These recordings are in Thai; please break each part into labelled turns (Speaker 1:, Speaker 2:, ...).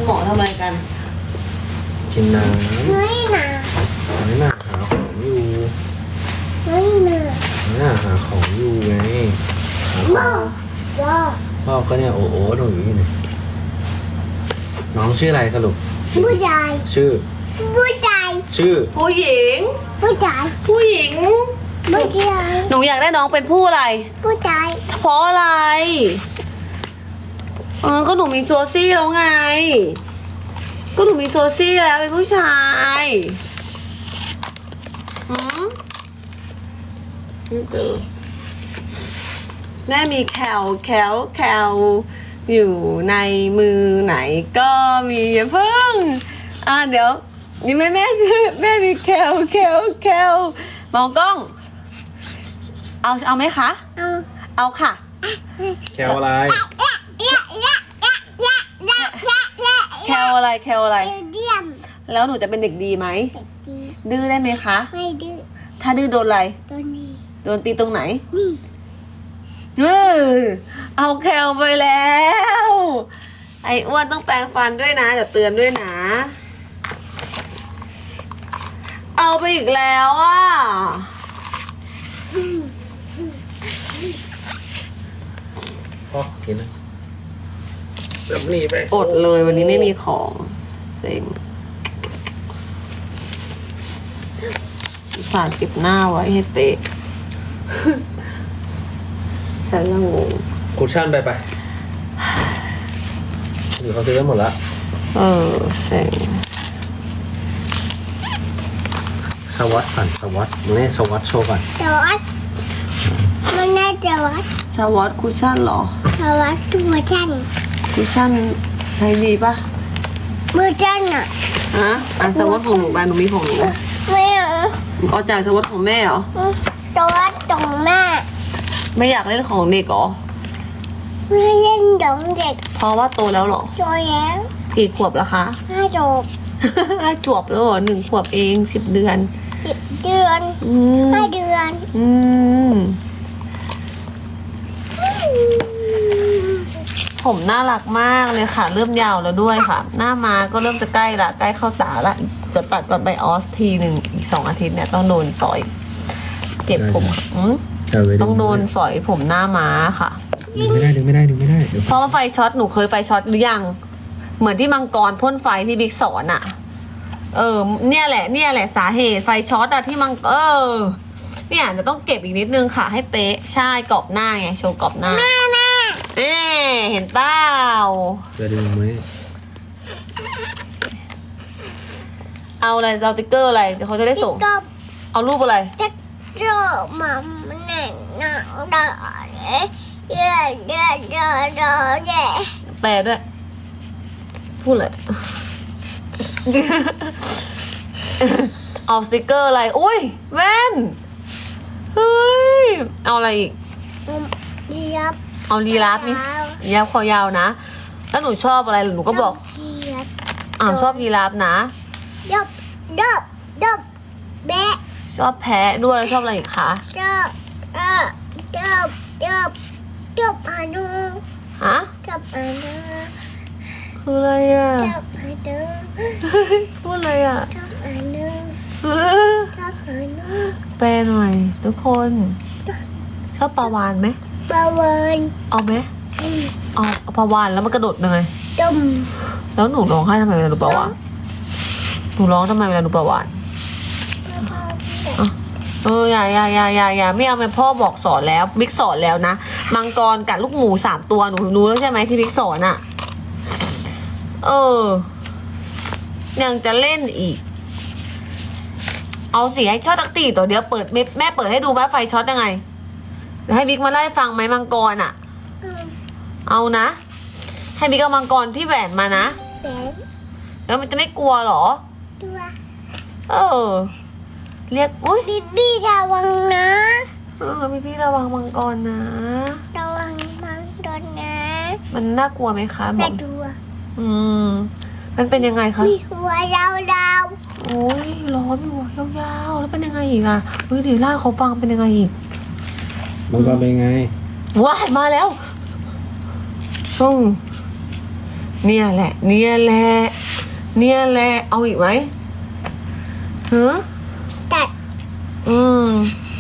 Speaker 1: มอทำอะไรกัน
Speaker 2: กินน้ำไม่หนาหาของอยู่ไม่หนาหาของอยู่ไงพ่อก็เนี่ยโอ้หนูอยู่นี่น้องชื่ออะไรสรุป
Speaker 3: ผู้ชาย
Speaker 2: ชื่อ
Speaker 3: ผู้ชาย
Speaker 2: ชื่อ
Speaker 1: ผู้หญิง
Speaker 3: ผู้ชาย
Speaker 1: ผู้หญิง
Speaker 3: ผู้ชาย
Speaker 1: หนูอยากได้น้องเป็นผู้อะไร
Speaker 3: ผู้ชาย
Speaker 1: เพราะอะไรก็หนูมีโซซี่แล้วไงก็หนูมีโซซี่แล้วเป็นผู้ชายแม่มีแคลอยู่ในมือไหนก็มีอย่าเพิ่งเดี๋ยวนี่แม่มีแคลมองกล้องเอาไหมคะเอาค่ะ
Speaker 2: แคลอะไร
Speaker 1: แคลอะไรแล้วหนูจะเป็นเด็กดีไหมดื้อได้ไหมคะ
Speaker 3: ไม่ดื้อ
Speaker 1: ถ้าดื้อโดนอะไรโดนตีตรงไหนเอาแคลไปแล้วไอ้อ้วนต้องแปรงฟันด้วยนะเดี๋ยวเตือนด้วยนะเอาไปอีกแล้ว
Speaker 2: พ่อกินนะแบบนี้ไป
Speaker 1: อดเลยวันนี้ไม่มีของเซ็งฝากเก็บหน้าไว้ให้เป๊ะฉันละงง
Speaker 2: คุชชั่นไปหรือเขาซื้อกันหมดแล้ว
Speaker 1: เซ็ง
Speaker 2: สวัสดิ์ก่อนสวัสดิ์นี่สวัสดิ์โชว์ก่อน
Speaker 3: สวัสดิ์มันน่าจะวัด
Speaker 1: สวัสดิ์คุชชั่นหรอ
Speaker 3: สวัสดิ์ตัวฉัน
Speaker 1: คุชชั่นใช้ดีปะ
Speaker 3: มือฉัน
Speaker 1: สวัสดิ์ของหนูบ้านหนูมีของหนู
Speaker 3: ไม่
Speaker 1: เอาจากสวัสดิ์ของแม่เหรอ
Speaker 3: สวัสดิ์ของแม่
Speaker 1: ไม่อยากเล่นของเด็กเหรอ
Speaker 3: ไม่เล่นของเด็ก
Speaker 1: เพราะว่าโตแล้วเหรอ
Speaker 3: โตแล้ว
Speaker 1: กี่ขวบแล้วคะ
Speaker 3: 5 ขวบ
Speaker 1: 5 ขวบแล้วเหรอ1 ขวบเอง10 เดือน
Speaker 3: 5 เดือน
Speaker 1: ผมน่ารักมากเลยค่ะเริ่มยาวแล้วด้วยค่ะหน้ามาก็เริ่มจะใกล้ละใกล้เข้าตาละจะตัดก่อนไปออสทีหนึ่งอีก2 อาทิตย์เนี่ยต้องโดนสอยเก็บผมต้องโดนสอยผมหน้าม้าค่ะ
Speaker 2: ดึงไม่ได้
Speaker 1: เพราะว่าไฟช็อตหนูเคยไฟช็อตหรือยังเหมือนที่มังกรพ่นไฟที่บิ๊กสอนเนี่ยแหละสาเหตุไฟช็อตที่มังเนี่ยเดี๋ยวต้องเก็บอีกนิดนึงค่ะให้เป๊ะใช่กรอบหน้าไงโชว์กรอบหน้าเห็นเปล่า
Speaker 2: จะดึงไหม
Speaker 1: เอาอะไรเอาติ๊กเกอร์อะไรเขาจะได้ส่งเอารูปอะไร
Speaker 3: ติ๊กเกอร์มันแน่นอนเย่
Speaker 1: แปลด้วยพูดเลยเอาสติกเกอร์อะไรอุ้ยแว่นเฮ้ยเอาอะไรอีกเอาลีราฟนี่ยาวคอยาวนะแล้วหนูชอบอะไรหนูก็บอกชอบลีราฟนะ
Speaker 3: แบะ
Speaker 1: ชอบแพะด้วยแล้วชอบอะไรอีกคะ
Speaker 3: ชอบอานูชอบอานู
Speaker 1: คืออะไร
Speaker 3: ชอบอานู
Speaker 1: พูดอะไร
Speaker 3: ชอบอานูชอบอานู
Speaker 1: แปลหน่อยทุกคนชอบปลาวาฬไหม
Speaker 3: ปลาวาฬ
Speaker 1: เอาไหมเอาปลาวาฬแล้วมันกระโดดยังไงแล้วหนูร้องไห้ทำไมเวลาดูปลาวาฬหนูร้องทำไมเวลาดูปลาวาฬอย่าไม่เอาไปพ่อบอกสอนแล้วบิ๊กสอนแล้วนะมังกรกัดลูกหมู3 ตัวหนูรู้แล้วใช่ไหมที่บิ๊กสอนยังจะเล่นอีกเอาสิให้ช็อตตักตีตัวเดียวเปิดแม่เปิดให้ดูว่าไฟช็อตยังไงเดี๋ยวให้บิ๊กมาไล่ฟังไหมมังกรเอานะให้บิ๊กเอามังกรที่แหวนมานะแล้วมันจะไม่กลัวหรอเรียกอุ้ย
Speaker 3: พี่ระวังนะ
Speaker 1: พี่ระวังมังกรนะ
Speaker 3: ระวังมังกรนะ
Speaker 1: มันน่ากลัวไหมคะ
Speaker 3: น่ากลัว
Speaker 1: มันเป็นยังไงคะ
Speaker 3: มีหัวยาว
Speaker 1: โอ้ยร้อนอยู่ยาวๆแล้วเป็นยังไงอีกเดี๋ยวล่าเขาฟังเป็นยังไงอีก
Speaker 2: มังกรเป็นยังไง
Speaker 1: ว้ายมาแล้วเนี่ยแหละ เนี่ยแหละ เนี่ยแหละ เอาอีกไหมเฮ้อ
Speaker 3: ตัด
Speaker 1: อืม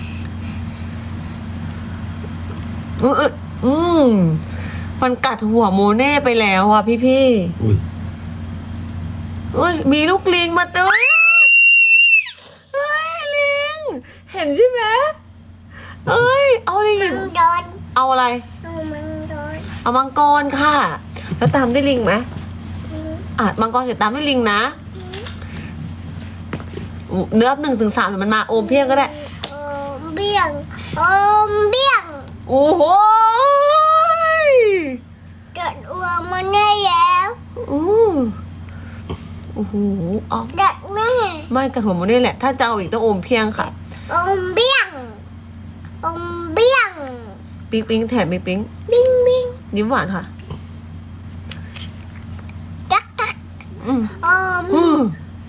Speaker 1: อืมมันกัดหัวโมเน่ไปแล้วอ่ะพี่
Speaker 2: อุ้ย
Speaker 1: เอ้ยมีลูกลิงมาเต้ยเฮ้ยลิงเห็นใช่ไหมเอ้ยเอาลิง
Speaker 3: มังโดน
Speaker 1: เอาอะไร
Speaker 3: เอามังโดน
Speaker 1: เอามังกรค่ะ แล้วตามด้วยลิงไหมมังกรเสร็จตามด้วยลิงนะเนื้อ1 ถึง 3เดี๋ยวมันมาโอมเพียงก็ได้
Speaker 3: โอมเบี้ยงโอมเบี้ยง
Speaker 1: โอ้โห
Speaker 3: เกิดอ้วมันได้แล้ว
Speaker 1: โอ้โหเอา
Speaker 3: ดัดแม่
Speaker 1: ไม่กระถั่วโมเน่แหละ ถ้าจะเอาอีกต้องโอมเพียงค่ะ
Speaker 3: โอมเบี้ยงโอมเบี้ยง
Speaker 1: ปิ๊งแถมปิ๊ง
Speaker 3: บิ้งบิ้ง
Speaker 1: ยิ้มหวานค่ะ
Speaker 3: ตักตัก
Speaker 1: อืม
Speaker 3: โอม
Speaker 1: อืม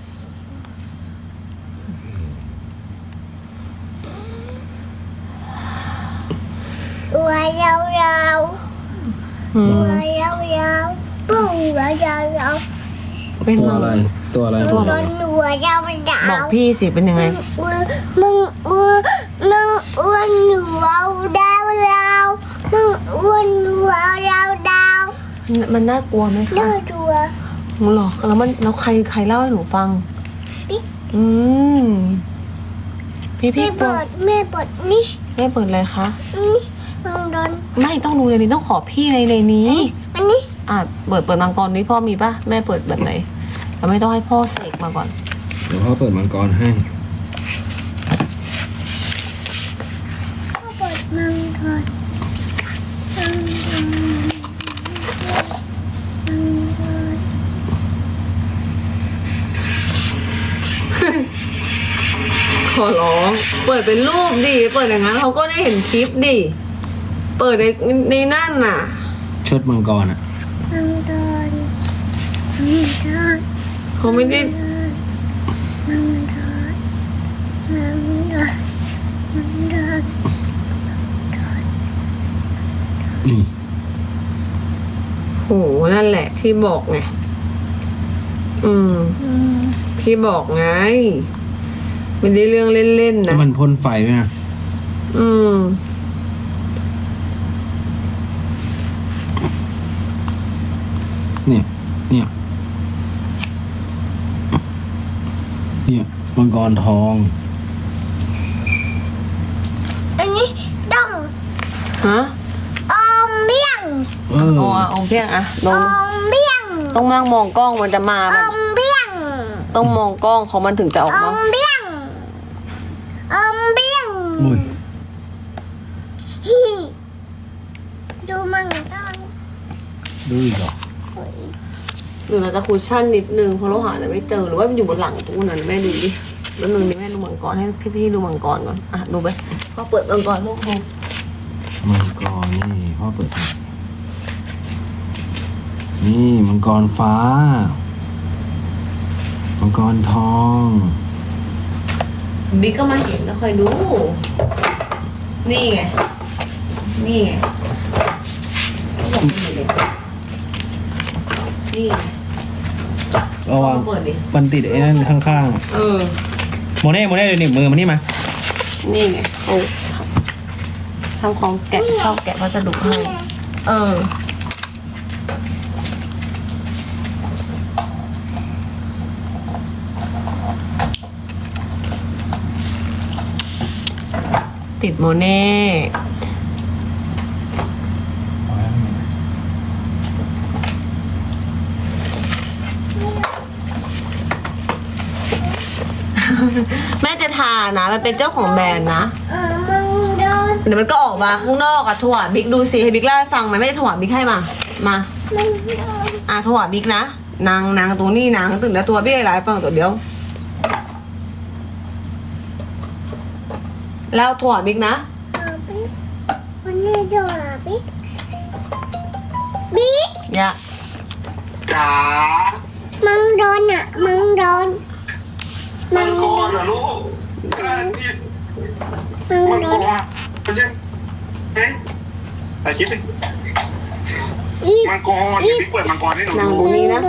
Speaker 3: ตัวยาวยาว
Speaker 1: อื
Speaker 3: ตั
Speaker 1: ม
Speaker 3: วยาวยาวปุ้งตัวยาวยาว
Speaker 1: เป็น
Speaker 2: ตัว
Speaker 1: มัง
Speaker 2: อะไร ตัวอะไร
Speaker 3: มึงโดนตัวยาวยาว
Speaker 1: บอกพี่สิเป็นยังไง
Speaker 3: มึงอ้วนหัวดาวดาวมึงอ้วนหัวดาวดาว
Speaker 1: มันน่ากลัวไหม
Speaker 3: เนื้
Speaker 1: คะ
Speaker 3: อตัว
Speaker 1: หรอแล้วใครเล่าให้หนูฟัง
Speaker 3: ปิ๊ก
Speaker 1: อืมพี่
Speaker 3: แม่
Speaker 1: กลัว
Speaker 3: เปิดแม่เปิดนี่
Speaker 1: แม่เปิดอะไรคะ
Speaker 3: นี่มึงโดน
Speaker 1: ไม่ต้องดูเลยนี่ต้องขอพี่ในนี้
Speaker 3: อันนี้
Speaker 1: เปิดมังกรนี้พ่อมีปะแม่เปิดแบบไหนเราไม่ต้องให้พ่อเสกมาก่อน
Speaker 2: เดี๋ยวพ่อเปิดมังกรให้
Speaker 3: ก็เปิดมังกรมังกรมังกร
Speaker 1: ขอร้อง เปิดเป็นรูปดิเปิดอย่างนั้นเขาก็ได้เห็นคลิปดิเปิดในนั่นน่ะ
Speaker 2: เชิดมังกรอ่ะ
Speaker 3: มังกรมังกร
Speaker 1: เขาไม่ได้
Speaker 3: มังกรมังกรมังกร
Speaker 2: นี่
Speaker 1: โหนั่นแหละที่บอกไงที่บอกไงไม่ได้เรื่องเล่นๆ
Speaker 2: แล้
Speaker 1: นะ
Speaker 2: วมันพ่นไฟด้วยนะ เนี่ย เนี่ยมังกรทอง
Speaker 3: อันนี้ต้อง
Speaker 1: ฮะ
Speaker 3: อมเบี้ยง
Speaker 2: เออ
Speaker 1: องเพียงอะล
Speaker 3: อง มเบี้ยง
Speaker 1: ต้องนั่งมองกล้องมันจะมา
Speaker 3: อมเบี้ยง
Speaker 1: ต้องมองกล้องของมันถึงจะออก
Speaker 3: อ
Speaker 1: มา
Speaker 3: มเบี้ยงอมเบี้ยง
Speaker 2: อุ้ย
Speaker 3: ฮีดูมังกร
Speaker 2: ดูอีกเหรอ
Speaker 1: หรือเราจะคุชชั่นนิดนึงเพราะเราหาอะไรไม่เจอหรือว่ามันอยู่บนหลังตู้นั้นแม่ดูดิแล้วนึงนี่แม่ดูมังกรให้พี่ๆดูมังกรก่อนดูไปพ่อเปิดมังกรลูกดู
Speaker 2: มังกรนี่พ่อเปิดให้นี่มังกรฟ้า มังกรทอง
Speaker 1: บิ๊กก็มาเห็นแล้วคอยดู นี่ไงนี่ไงบอกไม่เห็นเลยนี่ไง
Speaker 2: ระวัง
Speaker 1: เปิดดิ
Speaker 2: มันติดไอ้นั่นข้าง ๆโมเน่เลยหนีบมือมานี่มา
Speaker 1: นี่ไงเขาทำของแกะชอบแกะวัสดุให้ติดโมเน่ แม่จะทานะ มันเป็นเจ้าของแบรนด์นะ
Speaker 3: มังโดน
Speaker 1: เดี๋ยวมันก็ออกมาข้างนอกอะถั่วบิ๊กดูสิให้บิ๊กเล่าให้ฟังไหมแม่จะถั่วบิ๊กให้มา
Speaker 3: มังโดน
Speaker 1: ถั่วบิ๊กนะนางตรงนี้นางตื่นแล้วตัวพี่ไอ้หลายฟังตัวเดียวแล้วถั่วบิ๊กนะ
Speaker 3: วันนี้จะบิ๊กบิ๊ก
Speaker 1: อย่า
Speaker 4: จ๋า
Speaker 3: มังโดนอ่ะมังโดน
Speaker 4: มังกรเหรอลูกนี่
Speaker 3: มัง
Speaker 4: มัง
Speaker 3: โด
Speaker 4: ก
Speaker 3: น
Speaker 4: รมันยังไงถ่ายคลิปดิ
Speaker 3: ยอีบ
Speaker 4: มังกรเดี๋ยวพี่เปิดมังกรให้หนู
Speaker 1: นั่ง
Speaker 4: ดู
Speaker 1: ตรงนี้นะ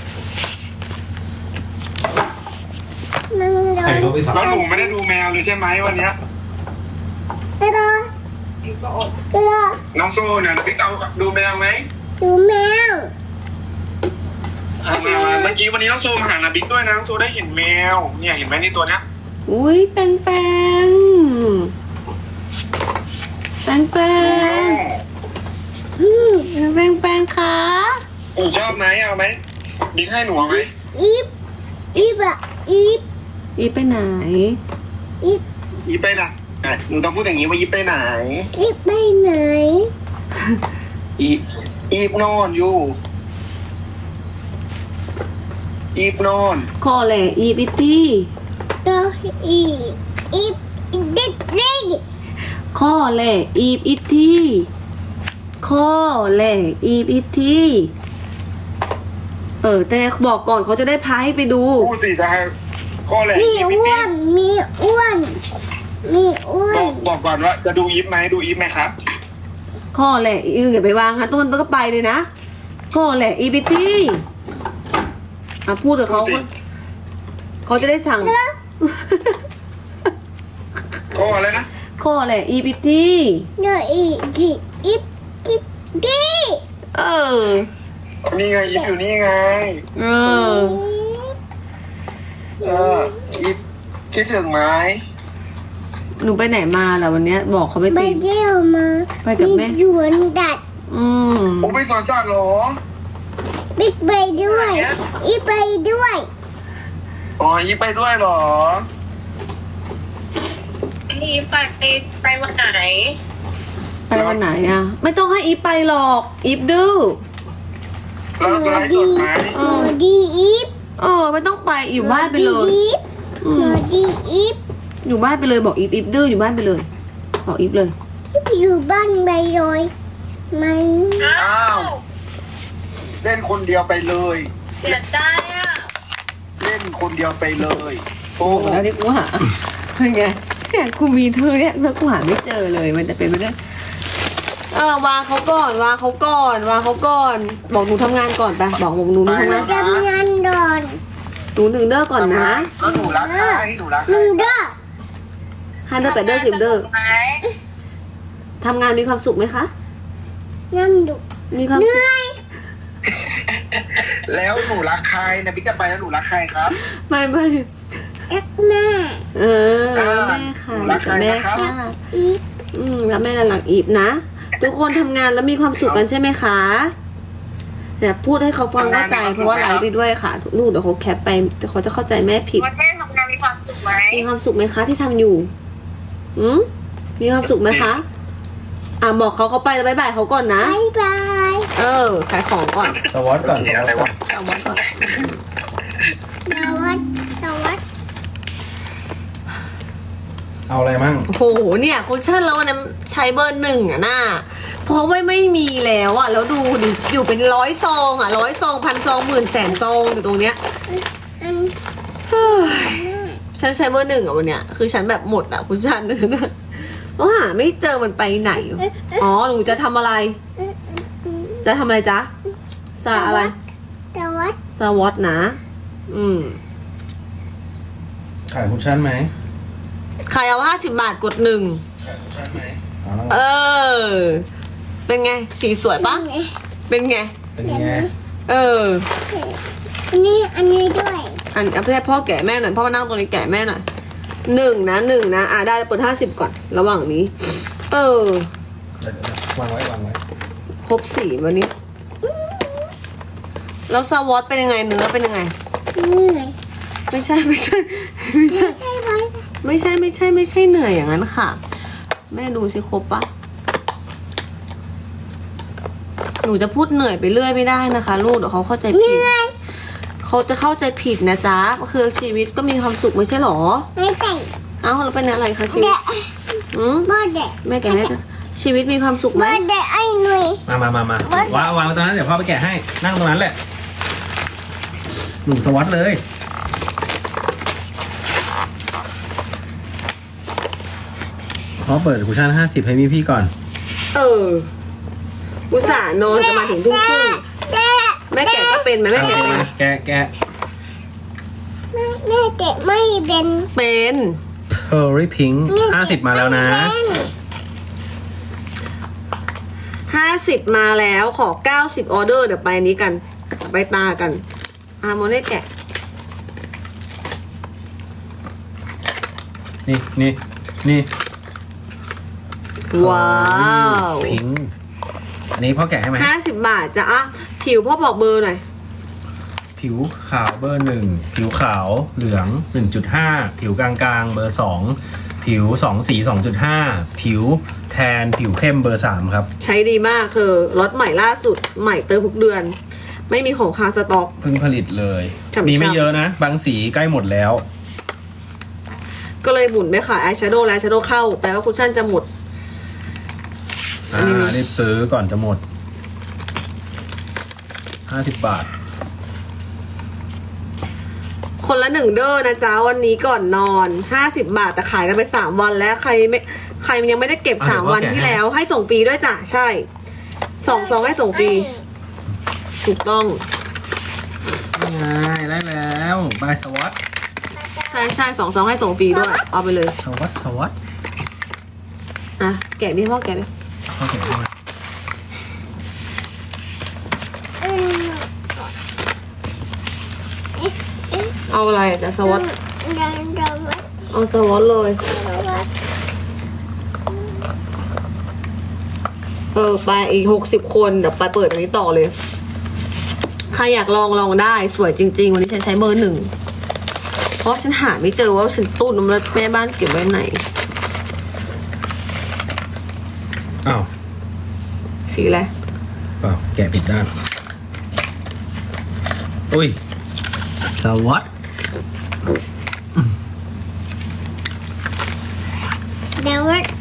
Speaker 3: นั่ง
Speaker 2: ใคร
Speaker 3: ดู
Speaker 2: เขาไปสั่ง
Speaker 4: แล้วหนูไม่ได้ดูแมวเลยใช่ไหมวันเนี้ย
Speaker 3: ตลอดตลอด
Speaker 4: น้องโซเนี่ยพี่เอาดูแมวไหม
Speaker 3: ดูแมว
Speaker 4: มาเมื่อกี้วันนี้น้องโซมาหานาบิ๊กด้วยนะน้องโซได้เห็นแมวเนี่ยเห็นไหมนี่ตัวเนี้ย
Speaker 1: อุ้ยแปงแปงแปงแปงแปงแปงคะ
Speaker 4: หนูชอบไหมเอาไหมบิ๊กให้หนูเอาไหม
Speaker 3: อีบอีบอะอีบ
Speaker 1: อีไปไหน
Speaker 3: อีบ
Speaker 4: อีไปไหนหนูต้องพูดอย่างนี้ว่าอีไปไหน
Speaker 3: อีบไปไหน
Speaker 4: อีบนอนอยู่อีบนอน
Speaker 1: คอแหละอีปิตี้
Speaker 3: ตัวอีบอีบเด็กเด็ก
Speaker 1: คอแหละอีปิตี้คอแหละอีปิตี้แต่บอกก่อนเขาจะได้พาให้ไปดู
Speaker 4: พูดสิจะให้ก็เลย
Speaker 3: มีอ้วนมีอ้วนมีอ้วน
Speaker 4: บอกก่อนว่าจะดูอีฟไหมดูอีฟไหมครับ
Speaker 1: ข้อแหละอย่าไปวางค่ะต้นก็ไปเลยนะข้อแหละอีบิตี้พูดกับเขาเขาจะได้สั่ง
Speaker 4: ก็อะไรนะ
Speaker 1: ข้อแหละอีบิตี้
Speaker 3: เดี๋ยวอีจีอีบจีจี
Speaker 1: เออ
Speaker 4: นี่ไงอีฟอยู่นี่ไง
Speaker 1: เออ
Speaker 4: อีฟคิดถึงไหม
Speaker 1: หนูไปไหนมาล่ะวันเนี้ย บอกเขาไป
Speaker 3: ไป
Speaker 1: ตี
Speaker 3: เที่ยวมา
Speaker 1: ไปกับแม่
Speaker 3: หยวนดัด
Speaker 4: โอ้ไปสอนสัตว์เหรอ
Speaker 3: บิ๊กไปด้วยอีไปด้วย
Speaker 4: อ๋ออีฟไปด้วยเหรอ
Speaker 5: นี่ไปวันไหน
Speaker 1: ไปวันไหนอ่ะ ไม่ต้องให้อีฟไปหรอกอีฟดื้อ
Speaker 4: แล้วไลฟ์สดไหม
Speaker 3: หนูดีอีฟ
Speaker 1: ไม่ต้องไปอยู่บ้านไปเลย
Speaker 3: หนูดีอีฟ
Speaker 1: อยู่บ้านไปเลยบอกอีฟดื้ออยู่บ้านไปเลยบอกอีฟเลย
Speaker 3: อยู่บ้านไปเลยมัน
Speaker 4: อ้าวเล่นคนเดียวไปเลย
Speaker 5: เสียใจอ่ะ
Speaker 4: เล่นคนเดียวไปเลย โอ้
Speaker 1: แล้วที่กูหาเป็นไงเนี่ยกูมีเธอเนี่ยแล้วกูหาไม่เจอเลยมันจะเป็นไปได้วางเขาก่อนวางเขาก่อนวางเขาก่อน บอกหนูทำงานก่อนไปบอกหนูทำงาน
Speaker 3: ทำงานดอน
Speaker 1: หนู1 เด้อก่อนนะ
Speaker 4: แล้วหนูรักใครหนูรักใค
Speaker 3: ห
Speaker 4: ร
Speaker 3: นึ่งเด้อ
Speaker 1: 5 เด้อ8 เด้อ10 เด้อ
Speaker 5: ไหน
Speaker 1: ทำงานมีความสุขไหมคะ
Speaker 3: น้ำดุ
Speaker 1: มีความ
Speaker 3: เห
Speaker 1: สุข
Speaker 3: นื่อย
Speaker 4: แล้วหนูรักใครนะบิ๊กจะไปแล้วหนูรักใครครับ
Speaker 1: ไม่
Speaker 3: แอ็กแม่
Speaker 1: แม่ค่ะ
Speaker 4: รักใคร
Speaker 1: แม่
Speaker 4: นะครับ
Speaker 1: ค่ะ
Speaker 3: อีฟ
Speaker 1: แล้วแม่น่ารักอีฟนะทุกคนทำงานแล้วมีความสุขกันใช่ไหมคะเนี่ยพูดให้เขาฟังเข้าใจเพราะว่าไลฟ์ไปด้วยค่ะลูกเดี๋ยวเขาแคปไปแต่เขาจะเข้าใจแม่ผิด
Speaker 5: วันแม่ทำงานมีความสุขไหม
Speaker 1: มีความสุขไหมคะที่ทำอยู่มีความสุขไหมคะบอกเขาไปแล้วบ๊ายบายเขาก่อนนะ
Speaker 3: บายบาย
Speaker 1: ขายของก่อน
Speaker 2: สวอตก่อน
Speaker 4: นี่อะไรวะ
Speaker 1: เอาไว้ก่อน
Speaker 3: สวัสดี
Speaker 2: เอาอะไรมั่ง
Speaker 1: โอ้โหเนี่ยคุชชั่นแล้ววันนั้นใช้เบอร์ 1น่ะเพราะว่าไม่มีแล้วแล้วดูดิอยู่เป็น100 ซอง100 ซอง1,000 ซอง10,000 แสนซองอยู่ตรงเนี้ย
Speaker 3: อัน
Speaker 1: เฮ้ยฉันใช้เบอร์ 1วันเนี้ยคือฉันแบบหมดคุชชั่นนะแล้วหาไม่เจอมันไปไหนหนูจะทำอะไร จะทำอะไรจ๊ะซาอะไร
Speaker 3: สวัสดี
Speaker 1: สวอตนะ
Speaker 2: ขายคุชชั่นไหม
Speaker 1: ใครเอา50 บาทกด 1
Speaker 2: ขายคุชชั่นไหมอ๋อ
Speaker 1: เป็นไงสีสวยปะเป็นไง
Speaker 2: เป็นไง
Speaker 3: อันนี้ด้วย
Speaker 1: เอาให้พ่อแกะแม่หน่อยพ่อมานั่งตรงนี้แกะแม่หน่อย1 นะได้เปิด50ก่อนระหว่างนี้
Speaker 2: เดี๋ยววางไว้
Speaker 1: ครบ4วันนี้แล้วสวอตเป็นยังไงเนื้อเป็นยังไง
Speaker 3: เหนื่อย
Speaker 1: ไม่ใช่
Speaker 3: ไม่ใช่ไหม
Speaker 1: ไม่ใช่เหนื่อยอย่างนั้นค่ะ แม่ดูสิครบปะหนูจะพูดเหนื่อยไปเรื่อยไม่ได้นะคะลูกเดี๋ยวเขาเข้าใจ
Speaker 3: เห
Speaker 1: ผิด
Speaker 3: นื่อย
Speaker 1: เขาจะเข้าใจผิดนะจ๊ะคือชีวิตก็มีความสุขไม่ใช่หรอ
Speaker 3: ไม่ใช่
Speaker 1: เอ้าแล้วเป็นอะไรคะชีวิต
Speaker 3: เด็ก
Speaker 1: แ
Speaker 3: บ่เด็ก
Speaker 1: ม่แกะให้ชีวิตมีความสุขไหม
Speaker 3: บ่เด็กไอ้หนุ่ย
Speaker 2: มาวางตรงนั้นเดี๋ยวพ่อไปแกะให้ นั่งตรงนั้นแหละ หนูสวอตเลยพ่อเปิดคุชชั่น50ให้พี่ก่อน
Speaker 1: อุตส่าห์นอนจะมาถึงทุ่มครึ่งแม่แกะก็เป็นไหมแม่แกะเป็นไหม
Speaker 2: แกะ
Speaker 3: แม่เจ็บไม่เป็น
Speaker 1: เป็น
Speaker 2: Pearly Pink 50 มาแล้วนะ
Speaker 1: 50 มาแล้วขอ 90 ออเดอร์เดี๋ยวไปนี้กันไปตากันโมเน่แกะ
Speaker 2: นี่
Speaker 1: ว้าว
Speaker 2: พิงอันนี้พ่อแกะให้ไหม
Speaker 1: 50 บาทจ้ะผิวพ่อบอกเบอร์หน่อย
Speaker 2: ผิวขาวเบอร์ 1 ผิวขาวเหลือง 1.5 ผิวกลางๆเบอร์ 2 ผิว2สี 2.5 ผิวแทนผิวเข้มเบอร์ 3 ครับ
Speaker 1: ใช้ดีมากเธอล็อตใหม่ล่าสุดใหม่เติมทุกเดือน ไม่มีของค้างสต็อก
Speaker 2: เพิ่งผลิตเลย
Speaker 1: ฉ่ำๆ
Speaker 2: มีไม่เยอะนะ บางสีใกล้หมดแล้ว
Speaker 1: ก็เลยหมุนไปขายอายแชโดว์และอายแชโดว์เข้าแปลว่าคุชชั่นจะหมด
Speaker 2: รีบซื้อก่อนจะหมด 50 บาท
Speaker 1: คนละ1 เด้อนะจ๊ะวันนี้ก่อนนอน 50 บาทแต่ขายกันไป3 วันแล้วใครยังไม่ได้เก็บ
Speaker 2: อ่ะ
Speaker 1: 3 วันที่แล้วให้ส่งฟรีด้วยจ้ะใช่2 ซองให้ส่งฟรีถูกต้อง
Speaker 2: นี่ไงได้แล้วบายสวัสด
Speaker 1: ใช่2 ซองให้ส่งฟรีด้วยเอาไปเลย
Speaker 2: สวัสด
Speaker 1: แกะดิพ่อแกะดิ
Speaker 2: พ่อแกะให้ไหม
Speaker 1: เอาอะไรอ่ะจ๊ะสวอต
Speaker 3: ดังดัง
Speaker 1: เอาสวอตเลย ไปอีก60 คนเดี๋ยวไปเปิดอันนี้ต่อเลยใครอยากลองได้สวยจริงๆวันนี้ฉันใช้เบอร์ 1เพราะฉันหาไม่เจอว่าฉันตู้น้ำแล้วแม่บ้านเก็บไว้ไหน
Speaker 2: อ้าว
Speaker 1: สีอะไร
Speaker 2: เปล่าแกะผิดด้านอุ้ยสวัสด
Speaker 3: เดี๋ยว